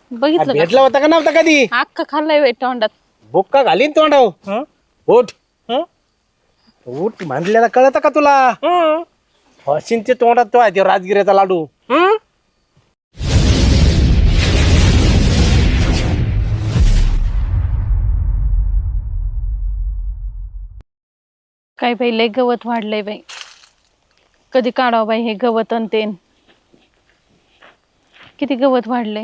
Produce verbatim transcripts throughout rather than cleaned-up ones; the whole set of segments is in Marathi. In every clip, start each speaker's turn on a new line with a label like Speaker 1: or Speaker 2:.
Speaker 1: बघितलं का?
Speaker 2: भेटला होता का नव्हता कधी?
Speaker 1: अख्खा खाल्लाय वेट तोंडात.
Speaker 2: बुक्का घालीन तोंडाव.
Speaker 3: हं?
Speaker 2: उठ
Speaker 3: हं?
Speaker 2: उठ म्हणलेला कळत का तुला?
Speaker 3: हं?
Speaker 2: हसीनचे तोंडात तो आहे ते राजगिऱ्याचा लाडू.
Speaker 3: हं?
Speaker 1: काय बाई लय गवत वाढलंय बाई. कधी काढावं बाई हे गवत अन तेन. किती गवत वाढलंय.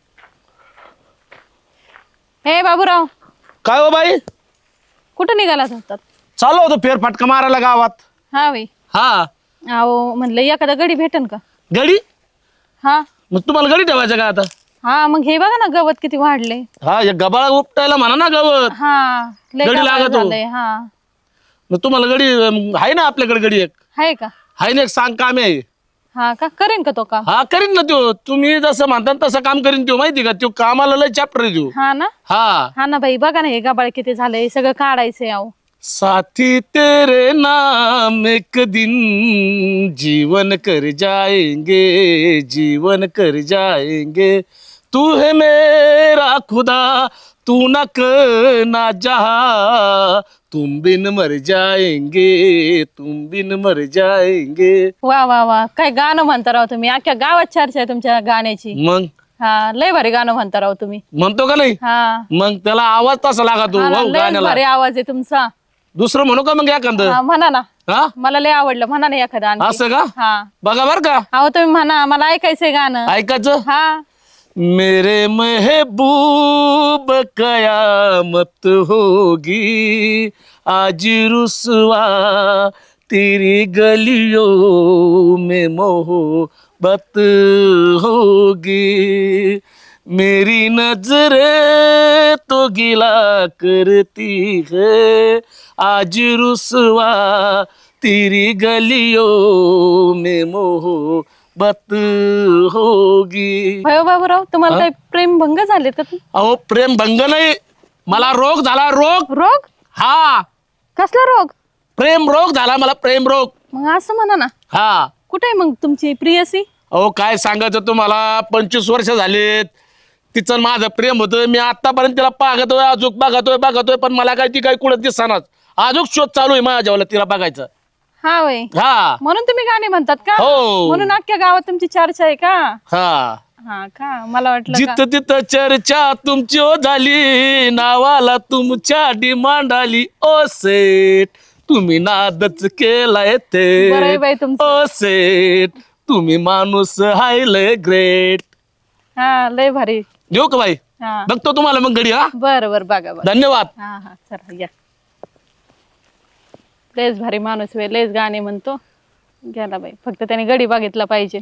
Speaker 1: हे बाबूराव,
Speaker 2: काय हो बाई?
Speaker 1: कुठं निघाला जातात?
Speaker 2: चालू होतो फेर फटका मारायला गावात.
Speaker 1: हा बाई.
Speaker 2: हा
Speaker 1: अहो म्हणलं एखादा गडी भेटन का?
Speaker 2: गडी?
Speaker 1: हा
Speaker 2: मग तुम्हाला गडी ठेवायचं का आता?
Speaker 1: हा मग हे बघा ना गवत किती वाढले.
Speaker 2: हा या गबाळा उपटायला म्हणा ना गवत.
Speaker 1: हा लय
Speaker 2: गडी
Speaker 1: गाभाळ
Speaker 2: लागतो.
Speaker 1: झालंय. हा
Speaker 2: मग तुम्हाला गडी अं, आहे ना आपल्याकडे गडी एक.
Speaker 1: आहे का?
Speaker 2: आहे ना एक सांग काम आहे.
Speaker 1: हा का करेन का तो काम?
Speaker 2: हा करीन ना त्यो. तुम्ही जसं म्हणता तसं काम करीन त्यो. माहिती का त्यो कामाला लय चॅप्टर आहे त्यो.
Speaker 1: हा ना.
Speaker 2: हा
Speaker 1: हा ना बाई बघा ना हे गाबाळ किती झालंय. सगळं काढायचंय अहो.
Speaker 2: साथी तेरे नाम एक दिन जीवन कर जाएंगे जीवन कर जाएंगे तू है मेरा खुदा तू न ना जहा तुम बिन मर जाएंगे तुम बिन मर जाएंगे.
Speaker 1: वा वा वा काय गाणं म्हणता राव तुम्ही. अख्ख्या गावात चर्चा आहे तुमच्या गाण्याची.
Speaker 2: मग
Speaker 1: हा लय भारी गाणं म्हणता राव तुम्ही.
Speaker 2: म्हणतो का नाही?
Speaker 1: हा
Speaker 2: मग त्याला आवाज तसा लागतो
Speaker 1: हा ना,
Speaker 2: वाव
Speaker 1: लय
Speaker 2: गाण्याला.
Speaker 1: भारी आवाज आहे तुमचा.
Speaker 2: दुसरं म्हणू का मग एखादं?
Speaker 1: हा, म्हणा ना.
Speaker 2: हा
Speaker 1: मला लय आवडलं. म्हणा ना एखादं आणखी.
Speaker 2: असं का?
Speaker 1: हा
Speaker 2: बघा बर का
Speaker 1: अहो तुम्ही म्हणा मला ऐकायचंय गाणं.
Speaker 2: ऐकायचं.
Speaker 1: हा
Speaker 2: मेरे महबूब कयामत होगी आज रुसवा तेरी गलियों में मोहब्बत होगी मेरी नजरें तो गिला करती है आज रुसवा तेरी गलियों में मोहब्बत बत होगी.
Speaker 1: भयो बाबूराव तुम्हाला काही प्रेम भंग झाले का? तू
Speaker 2: अहो प्रेम भंग नाही मला रोग झाला. रोग.
Speaker 1: रोग?
Speaker 2: हा
Speaker 1: कसला रोग?
Speaker 2: प्रेम रोग झाला मला. प्रेम रोग.
Speaker 1: मग असं म्हणा ना.
Speaker 2: हा
Speaker 1: कुठे आहे मग तुमची प्रियसी?
Speaker 2: अहो काय सांगायचं तुम्हाला. पंचवीस वर्ष झालेत तिचं माझं प्रेम होतं. मी आतापर्यंत तिला पाहतोय अजून बघतोय बघतोय पण मला काय ती काही कुठं दिसनाच. अजून शोध चालू आहे माझ्या जेवला तिला बघायचं.
Speaker 1: हा वय
Speaker 2: हा
Speaker 1: म्हणून तुम्ही गाणे म्हणतात का?
Speaker 2: हो.
Speaker 1: म्हणून अख्ख्या गावात तुमची चर्चा आहे का?
Speaker 2: हा
Speaker 1: हा का मला वाटलं का.
Speaker 2: जिथं तिथं चर्चा तुमची ओ झाली नावाला तुमच्या डिमांड आली. ओ सेठ तुम्ही नादच केलाय
Speaker 1: बरं आहे
Speaker 2: ते.
Speaker 1: बाई तुमचं.
Speaker 2: ओ सेठ तुम्ही माणूस हाय लय ग्रेट.
Speaker 1: हा लय भारी.
Speaker 2: देऊ का बाई?
Speaker 1: हा
Speaker 2: बघतो तुम्हाला मग गडी. हा
Speaker 1: बर बर बघा बघा.
Speaker 2: धन्यवाद.
Speaker 1: हा हा चला या. लयच भारी माणूस वे लयच गाणे म्हणतो. गेला बाई फक्त त्याने गडी बघितला पाहिजे.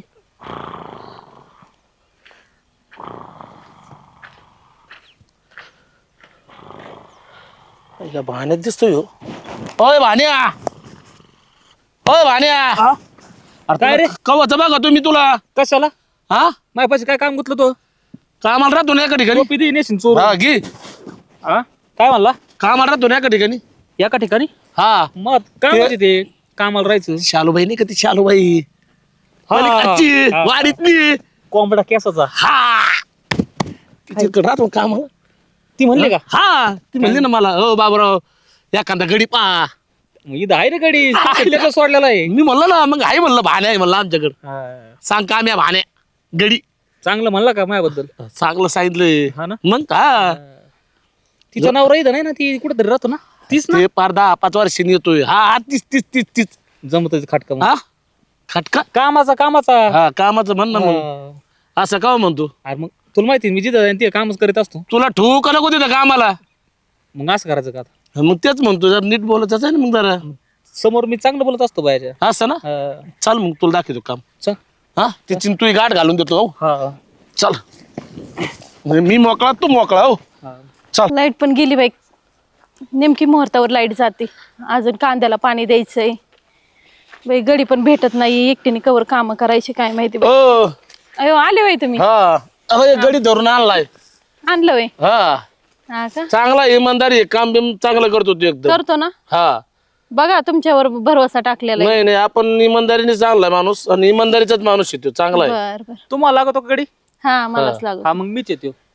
Speaker 2: भाण्यात दिसतोय हो. ओय भाण्या ओय भाण्या
Speaker 3: काय रे?
Speaker 2: कवच बघा तुम्ही तुला.
Speaker 3: कशाला?
Speaker 2: हा
Speaker 3: माझ्या पाशी काय काम गुतलं तो?
Speaker 2: कामाला राहतो ना एका ठिकाणी.
Speaker 3: टोपी दे नेशीन चोर.
Speaker 2: हा घे.
Speaker 3: हा काय म्हणला?
Speaker 2: कामाला राहतो ना एका ठिकाणी.
Speaker 3: एका ठिकाणी
Speaker 2: हा
Speaker 3: मग काय म्हणजे ते कामाला राहायचं.
Speaker 2: शालूबाई नाही का ती शालूबाई
Speaker 3: हा,
Speaker 2: पलीकडची,
Speaker 3: हा.
Speaker 2: वाडीतली.
Speaker 3: कोंबडा केसाचा.
Speaker 2: हा तिथे राहतो काम.
Speaker 3: ती म्हणले का?
Speaker 2: हा ती म्हणली ना मला हो बाबराव एखादा गडी पा.
Speaker 3: मग इथं आहे रे गडी. किल्ल्याचा सोडलेला आहे.
Speaker 2: मी म्हणलं ना मग आहे म्हणलं भाण्या आहे म्हणलं आमच्याकडं.
Speaker 3: हा.
Speaker 2: सांग काम या भाण्या गडी.
Speaker 3: चांगलं म्हणला का माझ्याबद्दल?
Speaker 2: चांगलं सांगितलंय.
Speaker 3: हा ना.
Speaker 2: मग का
Speaker 3: तिचा नवरा इथं नाही ना. ती कुठेतरी राहतो ना. तीच ना.
Speaker 2: ते पार दहा पाच वर्षांनी येतोय. हा हा, तीच तीच तीच तीच.
Speaker 3: जमत खटका मग.
Speaker 2: हा खटका.
Speaker 3: कामाचा कामाचा.
Speaker 2: हा कामाचं म्हण ना मग.
Speaker 3: हा.
Speaker 2: असं का म्हणतो?
Speaker 3: अरे मग तुला माहिती आहे, मी जिथं जाईन ते कामच करीत असतो.
Speaker 2: तुला ठेवू का नको तिथं कामाला?
Speaker 3: मग असं करायचं का आता?
Speaker 2: मग तेच म्हणतो जरा नीट बोलायचं आहे ना मग जरा.
Speaker 3: समोर मी चांगलं बोलत असतो बायाच्या.
Speaker 2: असं ना.
Speaker 3: हा.
Speaker 2: चल मग तुला दाखवतो काम.
Speaker 3: चल.
Speaker 2: हा तिची तू गाठ घालून देतो. हो
Speaker 3: हा.
Speaker 2: चल म्हणजे मी मोकळा तू मोकळा. हो
Speaker 3: हा.
Speaker 2: चल.
Speaker 1: लाईट पण गेली बाई. नेमकी मुहूर्तावर लाईट जाते. अजून कांद्याला पाणी द्यायचंय बाई. गडी पण भेटत नाही. एकटीने कवर काम करायची काय माहिती बाई.
Speaker 2: ओ
Speaker 1: अयो आले बाई तुम्ही.
Speaker 2: हा अरे गडी धरून आणलाय.
Speaker 1: आणलं बाई.
Speaker 2: हा
Speaker 1: हा का
Speaker 2: चांगला इमानदारी आहे. काम बिम चांगलं करतो तू एकदम.
Speaker 1: करतो ना.
Speaker 2: हा
Speaker 1: बघा तुमच्यावर भरवसा टाकलेला आहे.
Speaker 2: नाही नाही आपण इमानदारीने चांगला माणूस आणि इमानदारीचाच माणूस आहे तो. चांगला आहे.
Speaker 1: बर बर
Speaker 3: तुम्हाला लागतो का गडी?
Speaker 1: हा मलाच लागू.
Speaker 3: हा मग मीच येतो.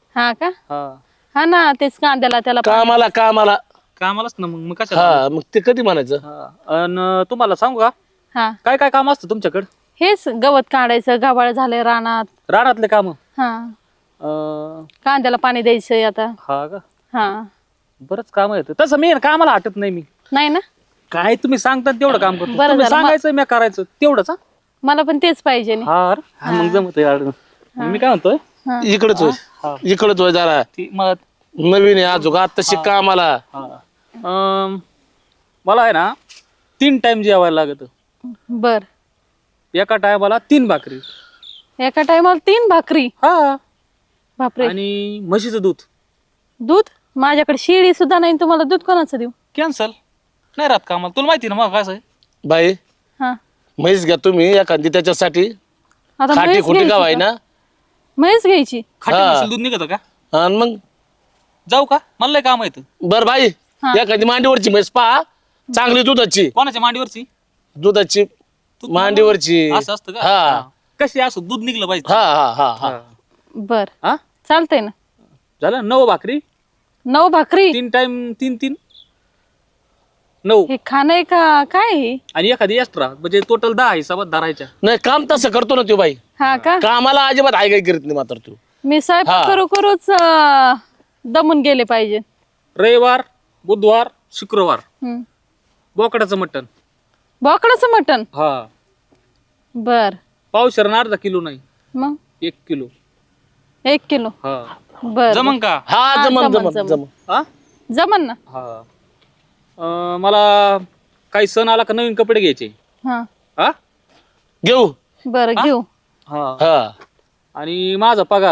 Speaker 1: हा का
Speaker 3: हा
Speaker 1: हा ना तेच कांद्याला त्याला पाणी-
Speaker 2: कामाला कामाला
Speaker 3: कामालाच ना मग मग कशाला
Speaker 2: हा मग ते कधी म्हणायचं
Speaker 3: हा. अन तुम्हाला सांगू का
Speaker 1: हा
Speaker 3: काय काय काम असतं तुमच्याकडे
Speaker 1: हेच गवत काढायचं गव्हाळ झालंय रानात
Speaker 3: रानातले काम
Speaker 1: हा कांद्याला पाणी द्यायचंय आता
Speaker 3: हा का
Speaker 1: हा
Speaker 3: बरंच काम येतं तसं मी ना कामाला हटत नाही मी
Speaker 1: नाही ना
Speaker 3: काय तुम्ही सांगतात तेवढं काम करतो
Speaker 1: बरं
Speaker 3: तुम्ही
Speaker 1: झालं, मग-
Speaker 3: सांगायचं मी करायचं तेवढंच हा?
Speaker 1: मला पण तेच पाहिजे नी.
Speaker 3: हा अरे. हा, मग जमत यार मी काय म्हणतोय
Speaker 1: हा.
Speaker 2: इकडच होय
Speaker 3: हा.
Speaker 2: इकडच होय जरा
Speaker 3: ती मग
Speaker 2: नवीन आहे अजून आत्ताशी कामाला
Speaker 3: हा अं, मला आहे ना तीन टाइम जेवायला लागत
Speaker 1: बर
Speaker 3: एका टायमाला तीन भाकरी
Speaker 1: एका टायमाला तीन भाकरी
Speaker 3: हा
Speaker 1: बापरे
Speaker 3: आणि म्हशीचं दूध
Speaker 1: दूध माझ्याकडे शिळी सुद्धा नाही तुम्हाला दूध कोणाचं देऊ
Speaker 3: कॅन्सल नाही राहत कामाला तुला माहिती ना मग काय आहे
Speaker 2: बाई
Speaker 1: हा
Speaker 2: म्हैस घ्या तुम्ही एखादी त्याच्यासाठी
Speaker 1: आता
Speaker 2: खाटी
Speaker 1: म्हैस
Speaker 2: खुटी गाव आहे
Speaker 1: घ्यायची
Speaker 2: ना
Speaker 1: का? म्हैस घ्यायची
Speaker 3: खाटी
Speaker 2: हा.
Speaker 3: म्हशीचं दूध निघत का
Speaker 2: आणि मग
Speaker 3: जाऊ का मला लय काम येतं
Speaker 2: बर बाई
Speaker 1: हा.
Speaker 2: एखादी मांडीवरची म्हैस पहा चांगली दुधाची
Speaker 3: कोणाच्या मांडीवरची
Speaker 2: दुधाची
Speaker 3: तू-
Speaker 2: मांडीवरची
Speaker 3: असं असतं का
Speaker 2: हा
Speaker 3: हा. कशी असो दूध निघलं पाहिजे
Speaker 2: हा हा हा हा
Speaker 1: बर
Speaker 3: हा
Speaker 1: चालतंय ना
Speaker 3: झालं नऊ भाकरी
Speaker 1: नऊ भाकरी
Speaker 3: तीन टाइम तीन तीन नऊ
Speaker 1: हे खाणं आहे का काय हे?
Speaker 3: आणि एखादी एक्स्ट्रा म्हणजे टोटल दहा हिसाबात धरायच्या
Speaker 2: नाही काम तसं करतो ना तो बाई
Speaker 1: हा का
Speaker 2: कामाला अजिबात हाय काय करीत नाही मात्र तू
Speaker 1: मी स्वयंपाक
Speaker 2: हा.
Speaker 1: करू करूच अं, दमून गेले पाहिजे
Speaker 3: रविवार बुधवार शुक्रवार
Speaker 1: हम्म.
Speaker 3: बोकडाचं मटण
Speaker 1: बोकडाचं मटण
Speaker 3: हा
Speaker 1: बर
Speaker 3: पावशेर अर्धा किलो नाही
Speaker 1: मग
Speaker 3: एक किलो
Speaker 1: एक किलो
Speaker 3: हा
Speaker 1: बर
Speaker 3: जमन का
Speaker 2: हा
Speaker 1: हा,
Speaker 2: जमन
Speaker 1: जमन,
Speaker 2: जमन
Speaker 1: जमन.
Speaker 2: जमन
Speaker 3: हा
Speaker 1: जमन ना
Speaker 3: हा अं, मला काही सण आला का नवीन कपडे घ्यायचे
Speaker 1: हा
Speaker 3: हा
Speaker 2: घेऊ
Speaker 1: बर घेऊ
Speaker 3: हा
Speaker 2: हा
Speaker 3: आणि माझा पगार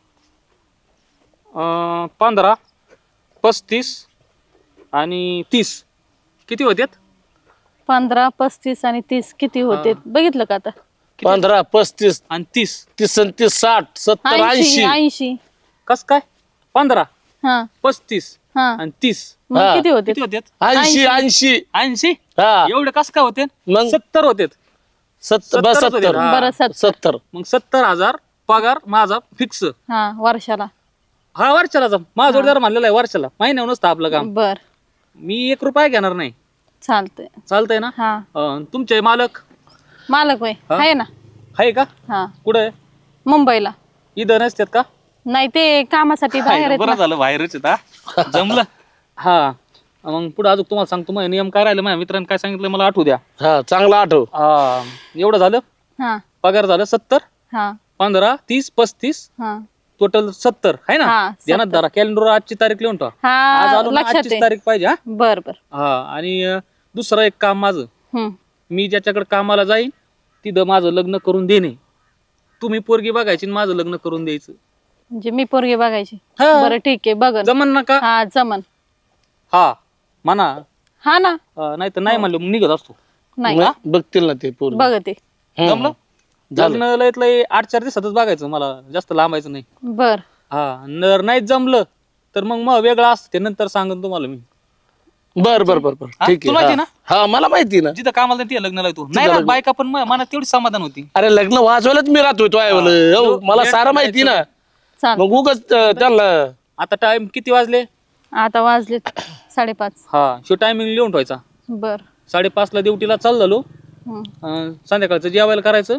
Speaker 3: अं, पंधरा पस्तीस आणि तीस किती होत्यात
Speaker 1: पंधरा पस्तीस आणि तीस किती होते बघितलं का आता
Speaker 2: पंधरा पस्तीस
Speaker 3: आणि तीस
Speaker 2: तीस आणि तीस साठ सत्तर
Speaker 1: ऐंशी
Speaker 2: ऐंशी
Speaker 1: ऐंशी
Speaker 3: कस काय पंधरा
Speaker 1: हा
Speaker 3: पस्तीस
Speaker 1: हा
Speaker 3: आणि तीस
Speaker 1: मग
Speaker 2: हा.
Speaker 1: किती होते
Speaker 3: किती होत्यात
Speaker 2: ऐंशी ऐंशी
Speaker 3: ऐंशी
Speaker 2: हा
Speaker 3: एवढे कस काय होते
Speaker 2: मग?
Speaker 3: सत्तर होते
Speaker 2: सत्तर बस
Speaker 3: सत्तरच होते
Speaker 2: सत्तर
Speaker 3: ना.
Speaker 1: बरं सत्तर
Speaker 2: सत्तर
Speaker 3: मग सत्तर हजार पगार माझा फिक्स
Speaker 1: हा वर्षाला
Speaker 3: हा वर्षाला जा माझा जोडदार म्हणलेला आहे वर्षाला महिन्यावर नसतं आपलं काम
Speaker 1: बर
Speaker 3: मी एक रुपया घेणार नाही
Speaker 1: चालतंय
Speaker 3: चालतंय ना
Speaker 1: हा
Speaker 3: अं, तुमचे मालक
Speaker 1: मालक वय
Speaker 3: हा?
Speaker 1: आहे ना
Speaker 3: आहे का
Speaker 1: हा
Speaker 3: कुठे आहे
Speaker 1: मुंबईला
Speaker 3: इथं नसतात का
Speaker 1: नाही ते कामासाठी बाहेर आहेत
Speaker 3: बरं
Speaker 1: ना.
Speaker 3: झालं बाहेरच आहेत, हा. जमलं हा मग पुढे अजून तुम्हाला सांगतो मग नियम काय राहिले माझ्या मित्रांनी काय सांगितलं मला आठवू द्या
Speaker 2: हा चांगला आठव
Speaker 3: हा एवढं झालं
Speaker 1: हा
Speaker 3: पगार झालं सत्तर
Speaker 1: हा
Speaker 3: पंधरा तीस पस्तीस
Speaker 1: हा
Speaker 3: टोटल सत्तर आहे ना
Speaker 1: हा,
Speaker 3: ध्यानात धरा कॅलेंडर आजची तारीख लिहून ठेवा आज
Speaker 1: हा
Speaker 3: आलो ना
Speaker 1: लक्षात
Speaker 3: आजचीच
Speaker 1: आहे
Speaker 3: तारीख पाहिजे हा
Speaker 1: बर बर
Speaker 3: हा आणि अं, दुसरं एक काम माझं
Speaker 1: हम्म
Speaker 3: मी ज्याच्याकडे कामाला जाईन तिथं माझं लग्न करून देणे तुम्ही पोरगी बघायची आणि माझं लग्न करून द्यायचं
Speaker 1: म्हणजे मी पोरगी बघायची
Speaker 3: हा.
Speaker 1: बरं ठीक आहे बघन
Speaker 3: जमन ना का
Speaker 1: हा जमन
Speaker 3: हा म्हणा
Speaker 1: हा ना
Speaker 3: नाही तर नाही म्हणलं मग निघत असतो
Speaker 1: नाही
Speaker 2: मग बघतील ना ते पूर्ण
Speaker 1: बघते
Speaker 3: जमलं लग्न लयत लय आठ चार दिवसातच बघायचं मला जास्त लांबायचं नाही
Speaker 1: बर
Speaker 3: हा जर नाही जमलं तर मग मग वेगळं असतं ते नंतर सांगन तुम्हाला मी
Speaker 2: बर बर बर बर
Speaker 3: हा,
Speaker 2: ठीक
Speaker 3: तुला माहिती
Speaker 2: आहे
Speaker 3: ना?
Speaker 2: हा. हा मला माहिती ना
Speaker 3: जिथं कामाला ते लग्नाला येतो नाही राहत बायका पण म- मनात तेवढी समाधान होती
Speaker 2: अरे लग्न वाजवायलाच मी राहतोय तो आहे बोल. हो, मला सारं माहिती ना
Speaker 1: चाल
Speaker 2: मग उगच त्यांना
Speaker 3: आता टाइम किती वाजले
Speaker 1: आता वाजले साडेपाच
Speaker 3: हा शो टायमिंग लिहून ठेवायचा
Speaker 1: बर
Speaker 3: साडेपाचला ड्युटीला चाल झालो
Speaker 1: हम्म.
Speaker 3: अं, संध्याकाळचं जेवायला करायचं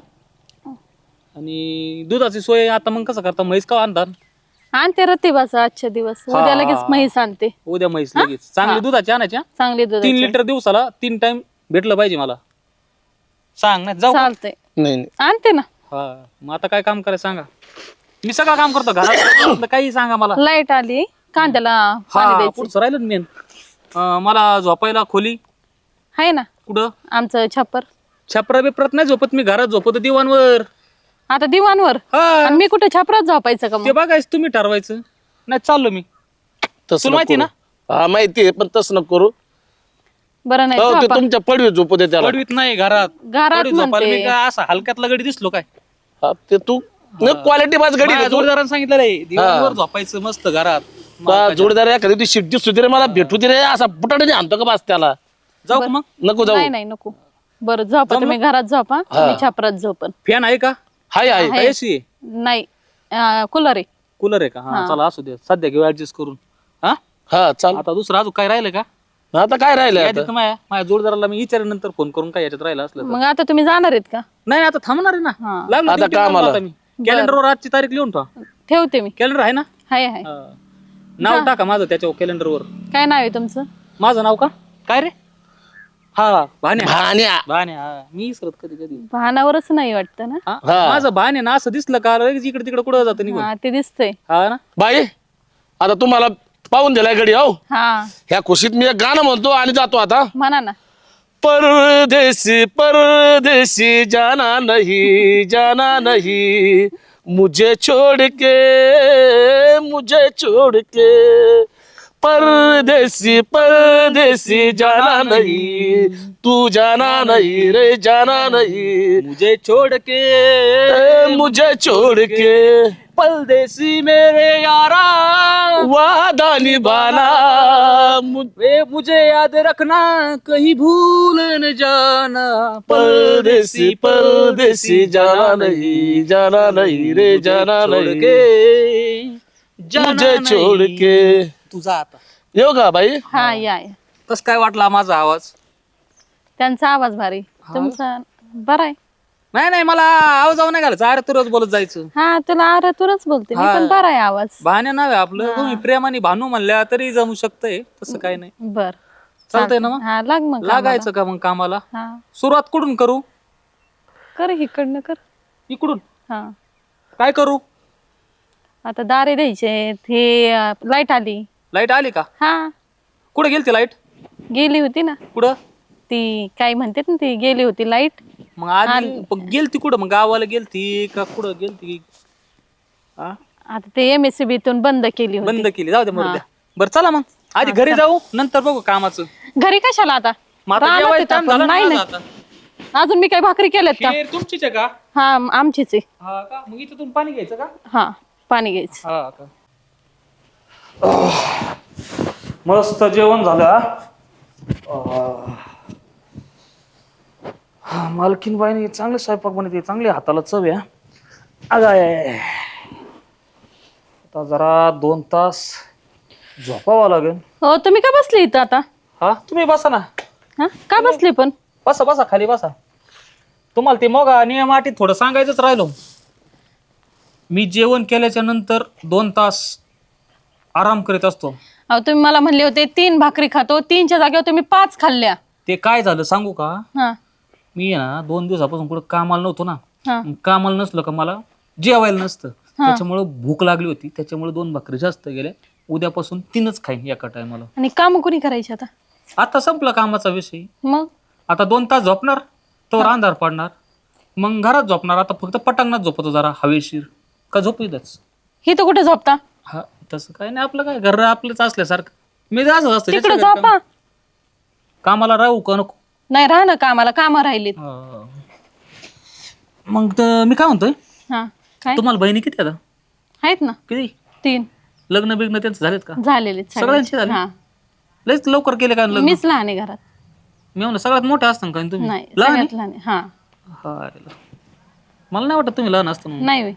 Speaker 3: आणि दुधाची सोय आता मग कसं करता म्हैस का आणतात
Speaker 1: आणते रतिबाचा आजच्या दिवस उद्या लगेच म्हैस आणते
Speaker 3: उद्या म्हैस लगेच चांगली दुधाची आणायच्या
Speaker 1: चांगली दूध
Speaker 3: तीन लिटर दिवसाला तीन टाइम भेटलं पाहिजे मला सांग ना जाऊ का?
Speaker 1: चालतंय
Speaker 2: नाही नाही
Speaker 1: आणते ना
Speaker 3: हा मग आता काय काम करायचं सांगा मी सगळं काम करतो घरात काही सांगा मला
Speaker 1: लाईट आली कांद्याला पाणी
Speaker 3: हा
Speaker 1: द्यायचं
Speaker 3: पुढचं राहिलं मेन मला झोपायला खोली
Speaker 1: आहे ना
Speaker 3: कुठं
Speaker 1: आमचं छप्पर
Speaker 3: छपरा बिपरात नाही झोपत मी घरात झोपतो दिवाणवर
Speaker 1: आता दिवाणवर
Speaker 3: हा
Speaker 1: आणि मी कुठे छपरात झोपायचं का
Speaker 3: ते
Speaker 1: मग
Speaker 3: बघायचं तुम्ही ठरवायचं नाही चाललो मी
Speaker 2: तसं
Speaker 3: तुला माहिती
Speaker 2: नको करू. हा माहिती आहे पण तसं नको करू
Speaker 1: बरं नाही
Speaker 2: हो ते
Speaker 1: झोपा.
Speaker 2: तुमच्या पडवी झोपू दे त्याला
Speaker 3: पडवीत नाही घरात
Speaker 1: घरात
Speaker 3: पडवीत झोपायला मी
Speaker 1: म्हणते.
Speaker 3: काय असा हलक्यातला गडी दिसलो काय
Speaker 2: हा, ते तू क्वालिटी बाज गडी
Speaker 3: माझ्या जोडदारानं सांगितलं रे दिवाणवर झोपायचं मस्त घरात
Speaker 2: जोडदार एखादी ती शिट्टी सुधी मला भेटू दे रे असा बुटाने आणतो का बास त्याला
Speaker 3: जाऊ का मग
Speaker 2: नको जाऊ
Speaker 1: नाही नाही नको बरं झोपा तुम्ही घरात झोपा मी छपरात झोपन
Speaker 3: फॅन आहे का
Speaker 2: हाय हाय
Speaker 1: आहे.
Speaker 3: एसी
Speaker 1: नाही कूलर आहे
Speaker 3: कूलर आहे का हा
Speaker 1: हा.
Speaker 3: चला असू दे सध्या घेऊ ऍडजस्ट करून. हा
Speaker 2: हा चाल.
Speaker 3: आता दुसरं अजून काय राहिलं का?
Speaker 2: आता काय राहिलं
Speaker 3: यादीत
Speaker 2: आता?
Speaker 3: माझ्या माझ्या जोडदाराला मी विचारेन नंतर फोन करून काय याच्यात राहिलं असलं तर.
Speaker 1: मग आता तुम्ही जाणार आहेत का?
Speaker 3: नाही नाही, आता थांबणार आहे ना.
Speaker 1: हा.
Speaker 3: लागलं
Speaker 2: आता
Speaker 3: duty ला
Speaker 2: कामाला.
Speaker 3: आता मी कॅलेंडरवर आजची तारीख लिहून ठेवा.
Speaker 1: ठेवते मी.
Speaker 3: कॅलेंडर आहे ना?
Speaker 1: हाय हाय.
Speaker 3: हा. नाव टाका माझं त्याच्यावर कॅलेंडरवर.
Speaker 1: काय नाव आहे तुमचं?
Speaker 3: माझं नाव का? काय रे? हा भान्या.
Speaker 2: भाण्या.
Speaker 3: भान्या हा. मी इसरत कधी कधी.
Speaker 1: भानावरच नाही वाटतं ना?
Speaker 3: हा?
Speaker 2: हा.
Speaker 3: माझं भान्या ना असं दिसलं का लगेच इकडे तिकडे कुठं जातं निघून.
Speaker 1: हा ते दिसतंय.
Speaker 3: हा ना.
Speaker 2: बाई आता तुम्हाला पाहून दिलाय गडी हो.
Speaker 1: हा
Speaker 2: ह्या खुशीत मी एक गाणं म्हणतो आणि जातो आता.
Speaker 1: म्हणा ना.
Speaker 2: परदेसी परदेसी जाना नहीं जाना नहीं मुझे छोड़ के मुझे छोड़ के परदेसी परदेसी जाना नहीं तू जाना नहीं रे जाना नहीं
Speaker 3: मुझे छोड़ के
Speaker 2: ए, मुझे छोड़ के
Speaker 3: परदेसी मेरे यारा
Speaker 2: वादा निभाना मुझ-
Speaker 3: वे मुझे याद रखना कहीं भूल न जाना
Speaker 2: परदेसी परदेसी जाना नहीं जाना नहीं रे जाना
Speaker 3: छोड़
Speaker 2: नहीं
Speaker 3: के जाना
Speaker 2: मुझे छोड़
Speaker 3: नहीं.
Speaker 2: के.
Speaker 3: तुझा आता
Speaker 2: येऊ का बाई?
Speaker 1: हा या या.
Speaker 3: कस काय वाटला माझा आवाज?
Speaker 1: त्यांचा आवाज भारी. तुमचा बरा आहे.
Speaker 3: नाही नाही मला आवाज नाही घालायचा अरे तुरच बोलत जायचं.
Speaker 1: हा तुला आरतूनच बोलते मी
Speaker 3: हा.
Speaker 1: पण बरा आहे आवाज.
Speaker 3: भाण्या नाव आहे आपलं तुम्ही प्रेमाने भानू म्हणल्या तरी जमू शकतंय तसं काय नाही.
Speaker 1: बर
Speaker 3: चालतंय ना मग?
Speaker 1: हा लाग मग
Speaker 3: लागायचं का मग कामाला?
Speaker 1: कामाला. हा
Speaker 3: सुरुवात कुठून करू?
Speaker 1: कर इकडनं कर.
Speaker 3: इकडून
Speaker 1: हा
Speaker 3: काय करू?
Speaker 1: आता दारे द्यायचे हे लाईट आली.
Speaker 3: लाईट आली का?
Speaker 1: हा
Speaker 3: कुठे गेलती लाईट?
Speaker 1: गेली होती ना
Speaker 3: कुठं?
Speaker 1: ती काय म्हणतात ना ती गेली होती लाईट.
Speaker 3: मग आधी पण गेलती कुठं मग गावाला गेलती का कुठं गेलती? हा?
Speaker 1: आता ते एम एस सी बीतून बंद केली होती.
Speaker 3: बंद केली जाऊ दे मरू द्या. बरं चला मग आधी घरी जाऊ नंतर बघू कामाचं.
Speaker 1: घरी कशाला आता?
Speaker 3: मग आता
Speaker 1: रानात
Speaker 3: जेवायचं
Speaker 1: येतं
Speaker 3: टाइम
Speaker 1: आपण.
Speaker 3: झाला ना
Speaker 1: नाही
Speaker 3: माझा
Speaker 1: नाही
Speaker 3: आता.
Speaker 1: अजून मी काही भाकरी केल्यात का?
Speaker 3: खीर तुमचीच आहे का?
Speaker 1: हा आमचीच आहे.
Speaker 3: हा का? मग इथं पाणी घ्यायचं का?
Speaker 1: हा पाणी घ्यायचं.
Speaker 3: हा का? मस्त जेवण झालं. हा मालकीन बाईने चांगले स्वयंपाक बनवते चांगले हाताला चव आहे. अगं आहे. आता जरा दोन तास झोपावं लागेल.
Speaker 1: हो तुम्ही का बसले इथं आता?
Speaker 3: हा तुम्ही बसा ना.
Speaker 1: हा का बसले पण?
Speaker 3: बसा बसा खाली बसा. तुम्हाला ते मग नियम अटी थोडं सांगायचंच राहिलो. मी जेवण केल्याच्या नंतर दोन तास आराम करीत असतो.
Speaker 1: अहो तुम्ही मला म्हणले होते तीन भाकरी खातो तीनच्या जागेवर तुम्ही पाच खाल्ल्या.
Speaker 3: ते काय झालं सांगू का?
Speaker 1: हा
Speaker 3: मी आहे ना दोन दिवसापासून कुठं कामाला नव्हतो ना.
Speaker 1: हा
Speaker 3: मग कामाला नसलं का मला जेवायला नसतं. त्याच्यामुळं भूक लागली होती त्याच्यामुळे दोन भाकरी जास्त गेल्या. उद्यापासून तीनच खाईन एका टायमाला.
Speaker 1: आणि काम कोणी करायचे आता?
Speaker 3: आता संपला कामाचा विषय.
Speaker 1: मग
Speaker 3: आता दोन तास झोपणार तो अंधार पडणार मग घरात झोपणार. आता फक्त पटांगणात झोपतो जरा हवेशीर का झोपीतच.
Speaker 1: ही तर कुठे झोपता?
Speaker 3: हा तसं काय नाही आपलं काय घर आपलंच असल्यासारखं. मी जास्त असतं
Speaker 1: तिकडे
Speaker 3: ज्याच्या घरी
Speaker 1: झोपा.
Speaker 3: काम- कामाला राहू का नको?
Speaker 1: नाही राहा ना कामाला काम राहिलीत.
Speaker 3: हा. मग तर मी काय म्हणतोय
Speaker 1: हा काय
Speaker 3: तुम्हाला बहिणी किती आता?
Speaker 1: आहेत ना
Speaker 3: किती?
Speaker 1: तीन
Speaker 3: लग्न बिग्न त्यांचं झालेत का?
Speaker 1: झालेले
Speaker 3: सगळ्यांचे झाले?
Speaker 1: हा
Speaker 3: लयच लवकर केले का लग्न?
Speaker 1: मीच लहान आहे घरात.
Speaker 3: मी म्हणलं सगळ्यात मोठे असतं का तुम्ही?
Speaker 1: नाही
Speaker 3: लहान आहे?
Speaker 1: सगळ्यात लहान आहे. हा
Speaker 3: हाय. मला नाही वाटत तुम्ही लहान असतं म्हणून.
Speaker 1: नाही होय.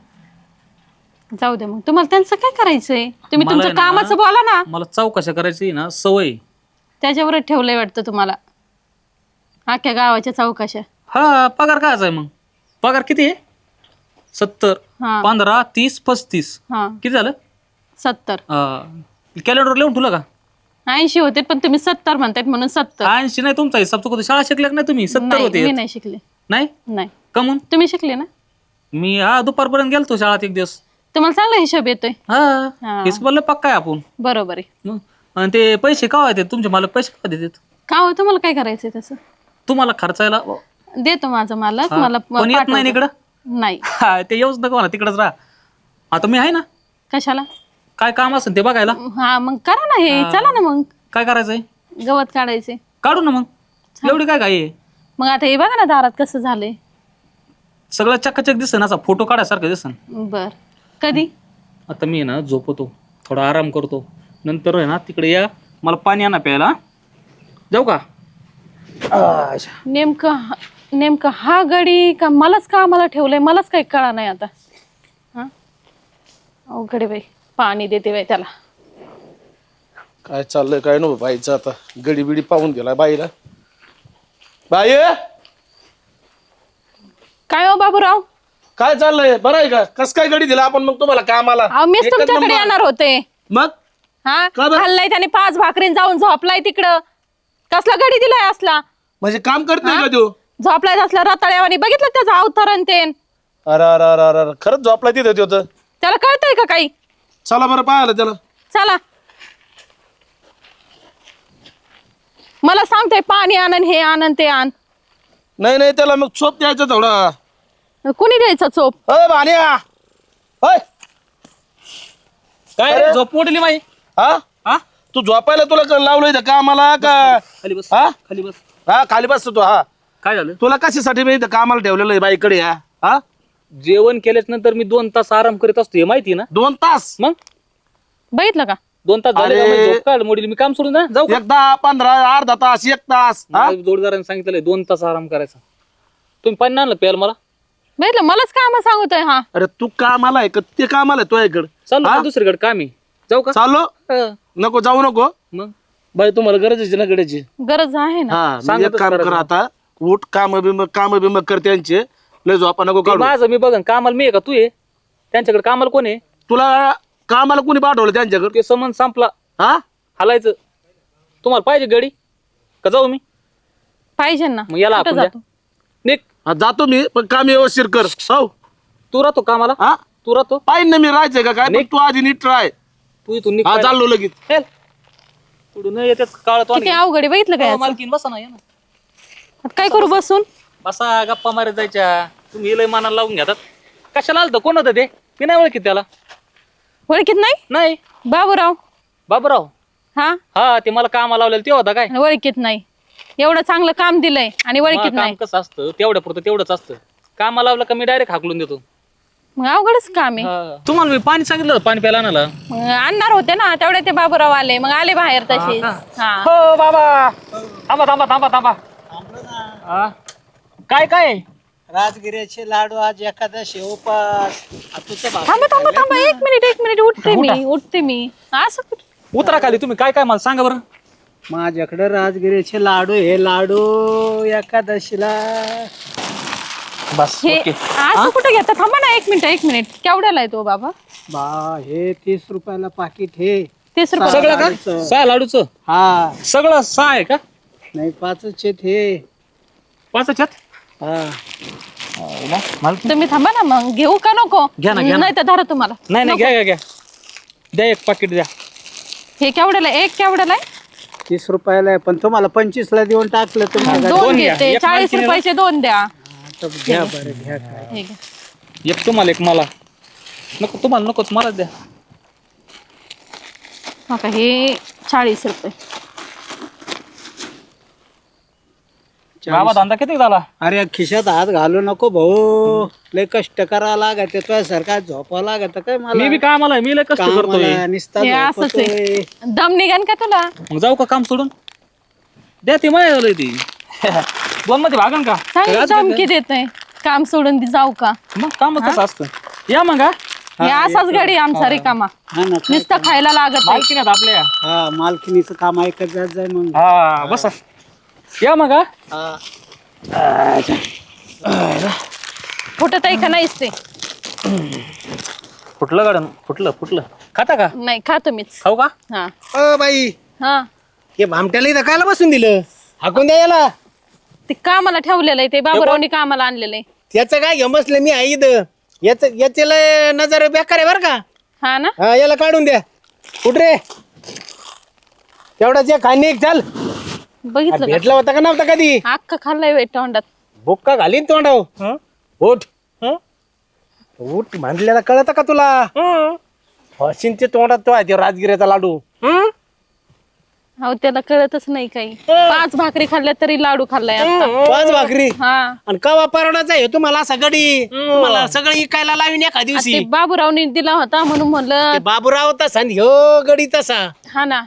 Speaker 1: जाऊ दे मग तुम्हाला त्यांचं काय करायचंय? तुम्ही
Speaker 3: मला
Speaker 1: तुमचं
Speaker 3: आहे ना-
Speaker 1: कामाचं बोला ना.
Speaker 3: मला चौकशा करायची ना सवय.
Speaker 1: त्याच्यावरच ठेवलंय वाटतं तुम्हाला अख्ख्या गावाच्या चौकशा.
Speaker 3: हा पगार काय आहे मग? पगार किती आहे? सत्तर
Speaker 1: हा
Speaker 3: पंधरा तीस पस्तीस
Speaker 1: हा
Speaker 3: किती झालं?
Speaker 1: सत्तर
Speaker 3: कॅलेंडर लिहून ठेवलं का?
Speaker 1: ऐंशी होते पण तुम्ही सत्तर म्हणतायत म्हणून सत्तर.
Speaker 3: ऐंशी नाही तुमचा हिसाब चुकतो. शाळा शिकल्या का नाही तुम्ही? सत्तर
Speaker 1: नाही
Speaker 3: होते.
Speaker 1: मी नाही शिकले.
Speaker 3: नाही
Speaker 1: नाही
Speaker 3: कमून
Speaker 1: तुम्ही शिकले ना.
Speaker 3: मी हा दुपारपर्यंत गेलतो शाळेत एक दिवस.
Speaker 1: तुम्हाला चांगला हिशोब येतोय.
Speaker 3: हा
Speaker 1: हा.
Speaker 3: हिशोबाला पक्का आहे आपण.
Speaker 1: बरोबर आहे.
Speaker 3: मग आणि ते पैसे का देतात तुमचे मालक? पैसे का देतात?
Speaker 1: का हो तुम्हाला काय करायचंय तसं?
Speaker 3: तुम्हाला खर्चायला
Speaker 1: देतो माझा मालक
Speaker 3: हा.
Speaker 1: मला
Speaker 3: पण येत नाही ना
Speaker 1: पाठवतो.
Speaker 3: इकडं.
Speaker 1: नाही
Speaker 3: हा, ते येऊच नको मला तिकडच राहा. आता मी आहे ना
Speaker 1: कशाला?
Speaker 3: काय काम असेल ते बघायला.
Speaker 1: हा मग करा ना हे. चला ना मग
Speaker 3: काय करायचंय?
Speaker 1: गवत काढायचे.
Speaker 3: काढू ना मग एवढी काय काय आहे?
Speaker 1: मग आता हे बघा ना दारात कसं झालंय.
Speaker 3: सगळं चकाचक दिसन असा फोटो काढायसारखं दिसन.
Speaker 1: बर कधी?
Speaker 3: आता मी आहे ना झोपतो थोडा आराम करतो नंतर आहे ना तिकडे या मला पाणी आणा प्यायला. जाऊ का? अच्छा.
Speaker 1: नेमकं हा- नेमकं हा गडी का मलाच का आम्हाला ठेवलंय मलाच काही कळा नाही आता. हा अवघड आहे बाई, पाणी देते बाई त्याला.
Speaker 2: काय चाललंय काय नको बाईचं आता, गडी बिडी पाहून गेला बाईला. बाई
Speaker 1: काय हो बाबूराव?
Speaker 2: काय चाललंय, बरं आहे का? कस काय गडी दिला आपण मग तुम्हाला कामाला?
Speaker 1: अहो मीच
Speaker 2: एकच
Speaker 1: तुमच्याकडे
Speaker 2: नंबर.
Speaker 1: येणार होते.
Speaker 2: मग
Speaker 1: हा
Speaker 2: का बरं?
Speaker 1: खाल्लाय त्याने पाच भाकरीन जाऊन झोपलाय तिकडं. कसला गडी दिलाय असला?
Speaker 2: म्हणजे काम करत नाही का तो?
Speaker 1: झोपलाय असला रताळ्यावानी, बघितलं त्याचा अवतरण तेन.
Speaker 2: अरे अरे अरे अरे अरे, खरंच झोपला तिथं तो तर.
Speaker 1: त्याला कळतंय का काही?
Speaker 2: चला बरं पाहायला त्याला.
Speaker 1: चला. मला सांगतोय पाणी आणन, हे आणन, ते आण.
Speaker 2: नाही नाही त्याला मग चोप द्यायचा थोडा.
Speaker 1: कुणी द्यायचा चोप?
Speaker 2: अय भाण्या होय.
Speaker 3: काय
Speaker 2: अरे?
Speaker 3: झोप मोडली माई?
Speaker 2: हा
Speaker 3: हा
Speaker 2: तू झोपायला तुला क- लावलंय इथं कामाला का?
Speaker 3: खाली बस,
Speaker 2: हा
Speaker 3: खाली बस.
Speaker 2: हा खाली बसतो तू. हा
Speaker 3: काय झालं?
Speaker 2: तुला कशासाठी मी इथं कामाला ठेवलेलं आहे बाईकडे? हा हा
Speaker 3: जेवण केल्याच नंतर मी दोन तास आराम करीत असतो, हे माहिती ना?
Speaker 2: दोन तास
Speaker 3: मग
Speaker 1: बघितलं का?
Speaker 3: दोन तास झाले का
Speaker 2: अरे.
Speaker 3: माझी झोप काढ मोडील, मी काम सोडून जा जाऊ का?
Speaker 2: एक दहा पंधरा अर्धा तास एक तास. हा
Speaker 3: मला जोडीदाराने सांगितलंय दोन तास आराम करायचा. तुम्ही पाणी आणलं प्यायला मला?
Speaker 1: बघितलं, मलाच काम सांगतोय हा.
Speaker 2: अरे तू कामाला आहे का ते कामाला आहे तुझ्याकडे?
Speaker 3: चालू
Speaker 2: हा?
Speaker 3: का दुसरीकडे काम आहे, जाऊ का?
Speaker 2: चालो
Speaker 3: हं.
Speaker 2: नको जाऊ नको.
Speaker 3: मग
Speaker 2: बाई तुम्हाला गरज आहे ना गड्याची?
Speaker 1: गरज आहे ना.
Speaker 2: हा मग
Speaker 3: सांगतच
Speaker 2: एक काम कर
Speaker 3: करायचं.
Speaker 2: आता, उठ काम बिम काम बिम कर त्यांचे. लय झोपा नको
Speaker 3: ते
Speaker 2: काढू.
Speaker 3: माझं मी बघन, कामाला मी आहे का तू आहे? त्यांच्याकडे कामाला कोण आहे?
Speaker 2: तुला कामाला कोणी पाठवलं त्यांच्याकडे?
Speaker 3: ते समन संपला,
Speaker 2: हा
Speaker 3: हलायचं. तुम्हाला पाहिजे गाडी का जाऊ मी?
Speaker 1: पाहिजे ना.
Speaker 3: मग याला
Speaker 1: कुठं
Speaker 3: आपण
Speaker 1: जातो?
Speaker 3: निक
Speaker 2: हा, जातो मी पण काम व्यवस्थित कर. हो
Speaker 3: तू राहतो कामाला?
Speaker 2: हा
Speaker 3: तू राहतो?
Speaker 2: पाहिजे ना मी राहायचंय का काय? पण तू आधी नीट राह.
Speaker 3: तू इथून निघ
Speaker 2: हा
Speaker 3: पाहिलं.
Speaker 2: चाललो लगेच.
Speaker 3: चल. पुढून येतात काळ तो
Speaker 1: किती अवघड आहे, बघितलं काय?
Speaker 3: मालकीन बसा ना, या ना.
Speaker 1: आता काय करू बसून?
Speaker 3: बसा गप्पा मारत जायच्या. तुम्ही लय मनाला लावून घेतात. कशाला आलतं, कोण होतं ते? मी नाही ओळखीत त्याला.
Speaker 1: ओळखीत नाही?
Speaker 3: नाही.
Speaker 1: बाबूराव.
Speaker 3: बाबूराव?
Speaker 1: हा
Speaker 3: हा, ते मला कामाला लावलेलं ते होता काय?
Speaker 1: ओळखीत नाही. एवढं चांगलं काम दिलंय आणि
Speaker 3: मला
Speaker 1: ओळखीत
Speaker 3: काम
Speaker 1: नाही.
Speaker 3: कसं असतं, तेवढ्या पुरतं तेवढंच असतं. कामाला लावलं का मी डायरेक्ट हाकलून देतो.
Speaker 1: मग अवघडच काम आहे.
Speaker 3: हा. तुम्हाला मी पाणी सांगितलं होतं, पाणी प्यायला आणायला.
Speaker 1: मग आणणार होते ना, तेवढे ते बाबूराव आले, मग आले बाहेर तशीच. हा
Speaker 3: हो बाबा, थांबा थांबा थांबा थांबा. हा. काय काय?
Speaker 4: राजगिऱ्याचे लाडू आज एकादशी उपास. आ, तुझं भाकर
Speaker 1: थांबा थांबा थांबा, एक मिनिट एक मिनिट, उठते मी उठते मी. असं कुठं?
Speaker 3: उतरा खाली तुम्ही. काय काय मला सांगा बरं.
Speaker 4: माझ्याकडे राजगिऱ्याचे लाडू, हे लाडू एकादशीला.
Speaker 3: बस
Speaker 1: हे
Speaker 3: ओके.
Speaker 1: असं कुठं घेता? थांबा ना एक मिनिट एक मिनिट. केवढ्याला आहे तो बाबा?
Speaker 4: बा हे तीस रुपयाला पाकिट हे.
Speaker 1: तीस रुपये.
Speaker 3: सगळं का?
Speaker 4: लाडूचं.
Speaker 3: सहा लाडूचं
Speaker 4: हा
Speaker 3: सगळं सहा आहे का?
Speaker 4: नाही पाचच आहेत हे.
Speaker 3: पाच ह्याच्यात?
Speaker 4: हा
Speaker 1: तुम्ही थांबा ना, मग घेऊ का नको?
Speaker 3: घ्या ना, घ्या ना.
Speaker 1: नाही तर धरा तुम्हाला.
Speaker 3: नाही नाही, घ्या घ्या घ्या द्या एक पाकिट द्या.
Speaker 1: हे केवढ्याला आहे? एक केवढ्याला आहे?
Speaker 4: तीस रुपयाला आहे, पण तुम्हाला पंचवीस ला देऊन टाकलं तुम्ही.
Speaker 1: दोन
Speaker 3: दोन घ्या.
Speaker 1: घेते.
Speaker 3: एक
Speaker 1: चाळीस
Speaker 3: मालकीणीला.
Speaker 1: रुपयाचे दोन द्या.
Speaker 4: घ्या बरं घ्या काय.
Speaker 1: हे घ्या.
Speaker 3: एक तुम्हाला एक मला. नको तुम्हाला नकोच, मलाच द्या.
Speaker 1: हो का, हे चाळीस रुपये.
Speaker 3: बाबा धंदा किती झाला?
Speaker 4: अरे खिशात हात घालू नको भाऊ, लय कष्ट करा लागत तुझ्यासारखा झोपा लागत काय मला.
Speaker 3: मी बी कामाला आहे, मी लय कष्ट करतोय.
Speaker 4: कामाला नुसता
Speaker 1: हे असंच
Speaker 4: झोपतोय.
Speaker 1: आहे. दम निघान का तुला?
Speaker 3: मग जाऊ का काम सोडून? द्या ती माया झालंय ती. दोन मध्ये भागन का?
Speaker 1: चांगली धमकी देतोय. काम सोडून दी जाऊ का?
Speaker 3: मग काम कसं असतं. या मग हा.
Speaker 1: हे असाच गाडी आमचा रिकामा.
Speaker 4: हा ना काय.
Speaker 1: नुसतं खायला लागत आहे.
Speaker 3: मालकी नाही आपल्या.
Speaker 4: हा मालकिनीचं काम ऐकत जात जाय मग.
Speaker 3: हा बसा. या मग हा.
Speaker 4: हा.
Speaker 1: फुटत आहे का नाहीच ते?
Speaker 3: फुटलं गाडन, फुटलं फुटलं. खाता का?
Speaker 1: नाही खातो मीच.
Speaker 3: खाऊ का?
Speaker 1: हा
Speaker 4: अ बाई
Speaker 1: हा.
Speaker 4: हे भामट्याला इथं कायला बसून दिलं? हाकून द्या याला.
Speaker 1: ते कामाला ठेवलेलं आहे, ते बाबूरावनी कामाला आणलेलं आहे.
Speaker 4: त्याचं काय घेऊन बसलं मी आई इथं. याच याचे लय नजर बेकार आहे बरं का.
Speaker 1: हा ना.
Speaker 4: हा याला काढून द्या. कुठ रे तेवढाच एक खाणी एक चाल.
Speaker 1: बघितलं का?
Speaker 4: भेटला होता का नव्हता कधी?
Speaker 1: अख्खा खाल्लाय वेट तोंडात.
Speaker 4: बुक्का घालीन तोंडाव. उठ उठ म्हणलेला कळत का तुला? हसीनचे तोंडात तो आहे ते राजगिऱ्याचा लाडू.
Speaker 1: अहो त्याला कळतच नाही काही. पाच भाकरी खाल्ल्या तरी लाडू खाल्लाय आता.
Speaker 4: पाच भाकरी
Speaker 1: हा.
Speaker 4: आणि कवा परवडाचा आहे तुम्हाला असा गडी? तुम्हाला सगळं इकायला लावीन एका
Speaker 1: आता
Speaker 4: दिवशी.
Speaker 1: ते बाबूरावनी दिला होता म्हणून म्हणलं.
Speaker 4: ते बाबूराव तसा आणि ह्यो गडी तसा.
Speaker 1: हा ना.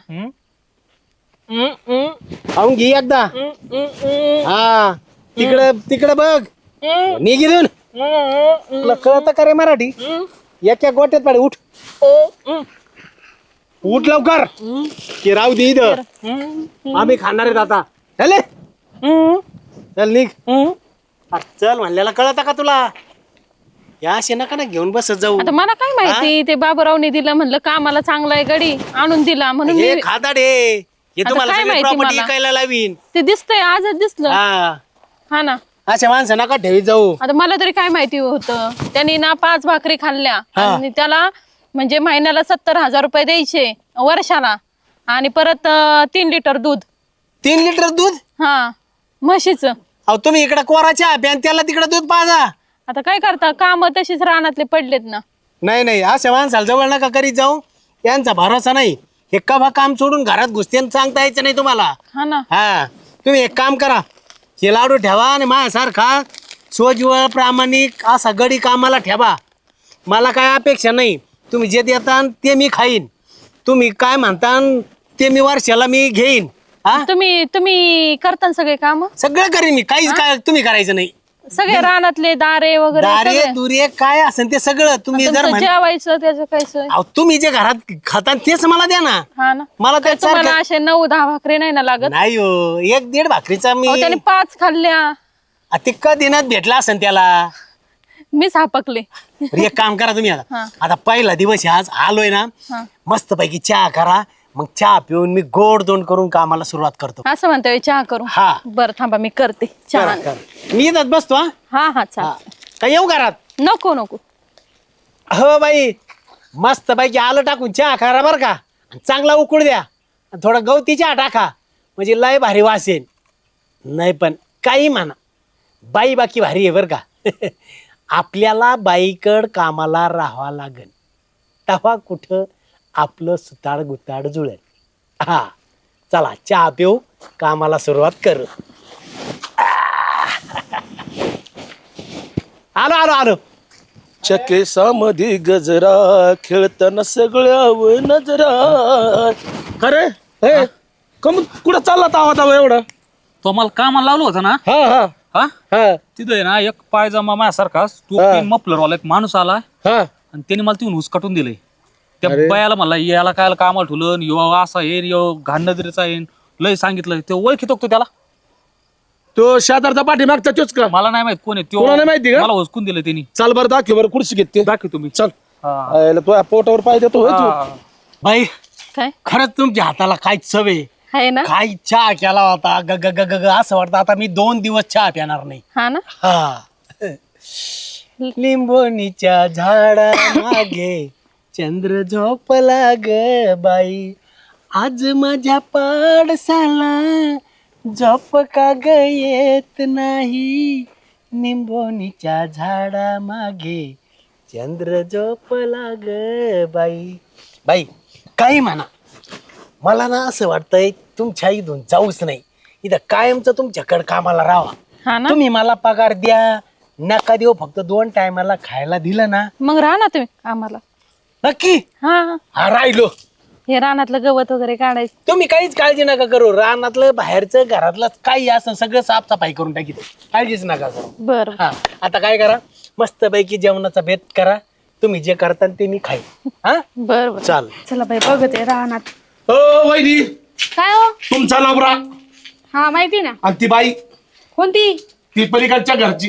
Speaker 4: खाऊन घे एकदा. हा तिकडं तिकडं बघ निघिरून. तुला कळत का रे मराठी? एक एक गोट्यात पाडे उठ उठ लवकर की राहू दे इथं आम्ही खाणार आहेत आता चल चल निघ अरे चल म्हणलेला कळत का तुला या अशी नका ना घेऊन बसत जाऊ
Speaker 1: आता मला काय माहिती ते बाबूरावने दिलं म्हणलं कामाला चांगला आहे गडी आणून दिला म्हणून
Speaker 4: हे
Speaker 1: मी
Speaker 4: खादाड हे हे
Speaker 1: आता
Speaker 4: तुम्हाला
Speaker 1: काय
Speaker 4: सगळी
Speaker 1: माहिती
Speaker 4: प्रॉपर्टी
Speaker 1: मला?
Speaker 4: विकायला लावीन
Speaker 1: ते दिसतंय आजच दिसलं
Speaker 4: हा
Speaker 1: हा ना
Speaker 4: अशा माणसं नका ठेवी जाऊ
Speaker 1: आता मला तरी काय माहिती होतं त्यांनी ना पाच भाकरी खाल्ल्या
Speaker 4: हा.
Speaker 1: आणि त्याला म्हणजे महिन्याला सत्तर हजार रुपये द्यायचे वर्षाला आणि परत अं, तीन लिटर दूध
Speaker 4: तीन लिटर दूध
Speaker 1: हा म्हशीचं
Speaker 4: अहो तुम्ही इकडे कोराच्या प्यान त्याला तिकडे दूध पाजा
Speaker 1: आता काय करता काम तशीच रानातले पडलेत ना
Speaker 4: नाही नाही अशा माणसाला जवळ नका करीत जाऊ यांचा भरोसा नाही हे कभा काम सोडून घरात घुसते आणि सांगता यायचं नाही तुम्हाला
Speaker 1: हा ना
Speaker 4: हा तुम्ही एक काम करा हे लाडू ठेवा आणि माझ्यासारखा सोजवळ प्रामाणिक असा गडी कामाला ठेवा मला काय अपेक्षा नाही तुम्ही जे देता ते मी खाईन तुम्ही काय म्हणता ते मी वर्षाला मी घेईन हा
Speaker 1: तुम्ही तुम्ही करता ना सगळे काम
Speaker 4: सगळं करीन मी काहीच काय तुम्ही करायचं नाही
Speaker 1: सगळे रानातले दारे वगैरे
Speaker 4: दारे
Speaker 1: सगळे.
Speaker 4: दुरे काय असेल ते सगळं तुम्ही जर
Speaker 1: तुमचं
Speaker 4: म्हण
Speaker 1: जेवायचं त्याचं काय सोय
Speaker 4: अहो, तुम्ही जे घरात खाता तेच मला द्या ना
Speaker 1: हा ना
Speaker 4: मला
Speaker 1: काय
Speaker 4: त्यात
Speaker 1: तुम्हाला
Speaker 4: सारखं-
Speaker 1: असे नऊ दहा भाकरी नाही ना लागत
Speaker 4: नाही हो एक दीड भाकरीचा मी
Speaker 1: अहो, त्याने पाच खाल्ल्या
Speaker 4: आ, ते क दिनात भेटला असेल त्याला
Speaker 1: मीच हापकले
Speaker 4: बरं, एक काम करा तुम्ही
Speaker 1: हा.
Speaker 4: आता आता पहिला दिवस आहे आज आलोय ना
Speaker 1: हा.
Speaker 4: मस्त पैकी चहा करा मग चहा पिऊन मी गोड दोन करून कामाला सुरुवात करतो
Speaker 1: असं म्हणतोय चहा करू
Speaker 4: हा.
Speaker 1: बरं थांबा मी करते चहा
Speaker 4: करा, करा. मी येतात बसतो हा
Speaker 1: हा हा
Speaker 4: हा.
Speaker 1: चाल
Speaker 4: काय येऊ घरात
Speaker 1: नको नको
Speaker 4: हो बाई मस्त पैकी आलं टाकून चहा करा बरं का आणि चांगला उकळ द्या आणि थोडा गवती चहा टाका म्हणजे लय भारी वास येईल नाही पण काही म्हणा बाई बाकी भारी आहे बरं का आपल्याला बाईकड कामाला राहावं लागेल तेव्हा कुठं आपलं सुताड गुताड जुळेल हा चला चहा पिऊ कामाला सुरुवात करू आलो आलो आलो
Speaker 2: चकेसामध्ये गजरा खेळताना सगळ्यावर नजरा अरे हे कम कुठं चालला तावा तावा एवढा
Speaker 3: तो मला कामाला लावलं होतं ना
Speaker 2: हा हा
Speaker 3: हा
Speaker 2: हा
Speaker 3: तिथं आहे ना एक पायजामा माझ्यासारखा
Speaker 2: हा.
Speaker 3: टोपी मफलरवाला एक माणूस आला
Speaker 2: हा
Speaker 3: आणि त्याने मला तिथून हुसकाटून दिलंय त्या बायाला म्हणला याला काय कामाला ठेवलं यो असा येईन यो घाण नजरेचा येईन लय सांगितलं ते ओळखीतो का तो त्याला
Speaker 2: तो शेजारचा पाठीमागचा तोच का
Speaker 3: मला नाही माहित कोण आहे
Speaker 2: कोणाला नाही माहिती
Speaker 3: त्यो
Speaker 2: का?
Speaker 3: मला हुसकून दिलं त्यांनी
Speaker 2: चाल बरं दाखव बरं खुर्ची घेते
Speaker 3: दाखव तुम्ही
Speaker 2: चल
Speaker 3: हा.
Speaker 2: आयला तुझ्या पोटावर पाय देतो होय तू.
Speaker 3: हा.
Speaker 4: बाई
Speaker 1: काय
Speaker 4: खरंच तुमच्या हाताला काय चव आहे
Speaker 1: आहे ना
Speaker 4: काय चहा केला होता ग ग ग ग ग असं वाटतं आता मी दोन दिवस चहा पिणार नाही
Speaker 1: हा ना
Speaker 4: हा लिंबोनीच्या झाडा मागे चंद्र झोपला ग बाई आज माझ्या पाडसाला झोप का ग येत नाही लिंबोनीच्या झाडा मागे चंद्र झोपला ग बाई बाई काही म्हणा मला ना असं वाटतंय तुमच्या इथून जाऊच नाही इथं कायमचं तुमच्याकडे कामाला राहा
Speaker 1: हा ना
Speaker 4: तुम्ही मला पगार द्या नका देऊ फक्त दोन टायमाला खायला दिलं ना
Speaker 1: मग राहा ना तुम्ही आम्हाला
Speaker 4: नक्की
Speaker 1: हा हा.
Speaker 4: हा राहिलो
Speaker 1: हे रानातलं गवत वगैरे काढायचं
Speaker 4: तुम्ही काहीच काळजी नका करू रानातलं बाहेरचं घरातलं काही असं सगळं साफसफाई करून टाकी काळजीच नका करू
Speaker 1: बरं
Speaker 4: हा आता काय करा मस्त पैकी जेवणाचा बेत करा तुम्ही जे करता ते मी खाईन हा
Speaker 1: बरं बरं
Speaker 4: चाल
Speaker 1: चला बाई बघते रानात
Speaker 2: ओ वैरी
Speaker 5: काय हो
Speaker 2: तुमचा नवरा
Speaker 5: हा माहिती ना
Speaker 2: आणि ती बाई
Speaker 5: कोणती
Speaker 2: ती पलीकडच्या घरची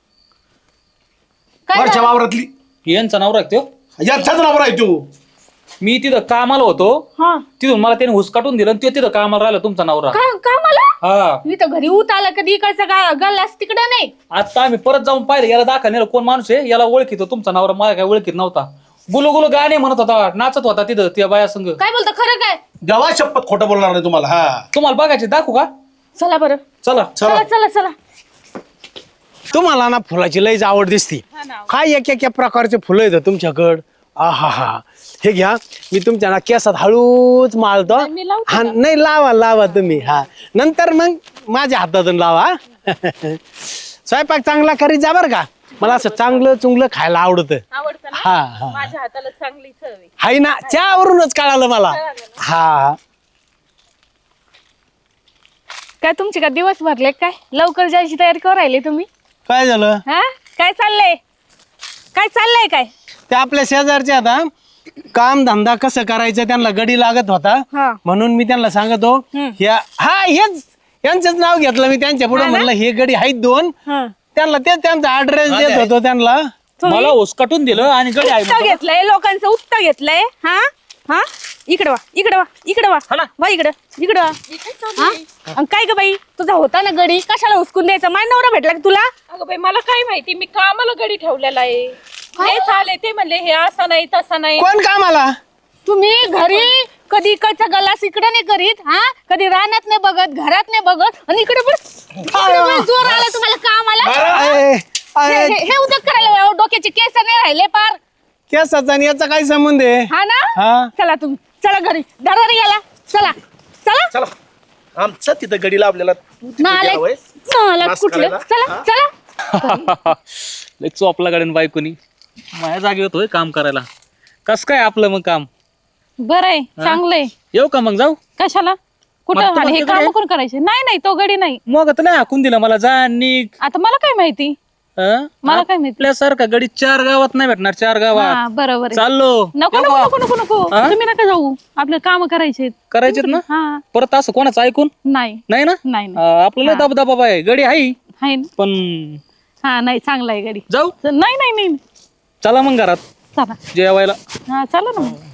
Speaker 5: काय
Speaker 2: वरच्या
Speaker 5: झालं?
Speaker 2: वावरातली
Speaker 3: यांचा नवरा आहे त्यो
Speaker 2: यांचाच नवरा आहे तू
Speaker 3: मी तिथं कामाला होतो
Speaker 5: हा
Speaker 3: तिथून मला त्याने हुसकाटून दिलं आणि तो तिथं कामाला राहिला तुमचा नवरा
Speaker 5: का का मला
Speaker 3: हा
Speaker 5: मी तर घरी उत आला कधी इकडचा गा गल्लास तिकडं नाही
Speaker 3: आता आम्ही परत जाऊन पाहिलं याला दाखल नेलं कोण माणूस आहे याला ओळखीतो तुमचा नवरा मला काय ओळखीत नव्हता गुलू गुलू गाणे म्हणत होता नाचत होता तिथं त्या बाया संग
Speaker 5: काय बोलतो खरं काय
Speaker 2: देवा शपथ खोटं बोलणार नाही तुम्हाला हा
Speaker 3: तुम्हाला बघायचे दाखवू का
Speaker 5: चला बरं
Speaker 3: चला
Speaker 5: चला चला चला
Speaker 4: तुम्हाला ना फुलाची लईच आवड दिसती काय एक एक प्रकारचे फुलं येतं तुमच्याकडं आहा हा हे घ्या मी तुमच्या ना केसात हळूच माळतो
Speaker 1: मी लावते
Speaker 4: हा नाही लावा लावा तुम्ही हा नंतर मग माझ्या हातातून लावा स्वयंपाक चांगला करीत जा बरं का मला असं चांगलं चुंगलं खायला आवडतं
Speaker 1: आवडतं ना
Speaker 4: हा हा
Speaker 1: माझ्या हाताला चांगली चव आहे
Speaker 4: हाय ना चहावरूनच कळालं मला हा
Speaker 5: काय तुमचे का दिवस भरले काय लवकर जायची तयारी करू राहिली तुम्ही
Speaker 4: काय झालं
Speaker 5: हा काय चाललंय काय चाललंय काय
Speaker 4: त्या आपल्या शेजारचे आता काम धंदा कसं करायचं त्यांना गडी लागत होता
Speaker 5: हा.
Speaker 4: म्हणून मी त्यांना सांगतो ह्या हा हेच यांचंच नाव घेतलं मी त्यांच्या पुढे म्हणलं हे गडी आहेत दोन
Speaker 5: हा.
Speaker 4: त्यांना तेच त्यांचा ऍड्रेस देत होतो त्यांना.
Speaker 3: मला उसकाटून दिलं आणि गडी आहे
Speaker 5: उपता घेतलंय लोकांचं उपता घेतलंय हा हा इकडे वा इकडे वा इकडे वा
Speaker 3: हा ना.
Speaker 5: वा इकडे इकडे वा हा? अन काय ग बाई तुझा होता ना गडी कशाला उचकून द्यायचा माय नवरा भेटला का तुला
Speaker 1: अगं बाई मला काय माहिती मी कामाला गडी ठेवलेला आहे हे चाले ते म्हणले हे असं नाही तसं नाही
Speaker 4: कोण कामाला
Speaker 5: तुम्ही घरी कधी इकडचा गलास इकडे नाही करीत हा कधी रानात नाही बघत घरात नाही बघत आणि इकडे पण इकडे पण जोर आला तुम्हाला कामाला
Speaker 4: अय,
Speaker 5: हे
Speaker 4: अय,
Speaker 5: हे- हे उद्योग करायला डोक्याचे केस नाही राहिले पार
Speaker 4: केसाचा आणि याचा काय संबंध आहे
Speaker 5: हा ना
Speaker 4: हा.
Speaker 5: चला तुम्ही चला घरी दरारी गेला चला चला
Speaker 2: चला आमचा तिथं गडी लावलेला तू तिथं
Speaker 5: नालायक
Speaker 2: गेला होय?
Speaker 5: नालायक
Speaker 2: नाश
Speaker 5: कुठले
Speaker 2: करायला?
Speaker 5: चला चला
Speaker 3: लय चोपला गाड्यान बायकोनी माझ्या जागी होतोय काम करायला. कस काय आपलं मग काम
Speaker 1: बरं आहे चांगलंय
Speaker 3: येऊ का मग जाऊ
Speaker 1: कशाला
Speaker 3: मग
Speaker 1: कुठं
Speaker 3: तू
Speaker 1: आणि हे
Speaker 3: म्हणते
Speaker 1: काम
Speaker 3: गडी?
Speaker 1: कोण करायचे नाही नाही तो गडी नाही
Speaker 3: मग आता नाही हाकून दिला मला जा निघ.
Speaker 1: आता मला काय माहिती
Speaker 3: हं?
Speaker 1: मला काय माहिती
Speaker 3: आपल्यासारखा गडी चार गावात नाही भेटणार चार
Speaker 1: हा
Speaker 3: गावात
Speaker 1: बरोबर आहे
Speaker 3: चाललो
Speaker 1: नको
Speaker 3: येऊ
Speaker 1: नको
Speaker 3: का?
Speaker 1: नको नको नको
Speaker 3: हा?
Speaker 1: तुम्ही नका जाऊ आपले काम करायचे
Speaker 3: करायचेत ना
Speaker 1: हा
Speaker 3: परत असं कोणाचं ऐकून
Speaker 1: नाही
Speaker 3: नाही ना
Speaker 1: नाही नाही.
Speaker 3: हा, आपल्याला दबदबा आहे गडी आहे
Speaker 1: आहे ना
Speaker 3: पण
Speaker 1: हा नाही चांगला आहे गडी
Speaker 3: जाऊ
Speaker 1: नाही नाही नाही
Speaker 3: चला मग घरात
Speaker 1: चला
Speaker 3: जेवायला
Speaker 1: हा चला ना मग.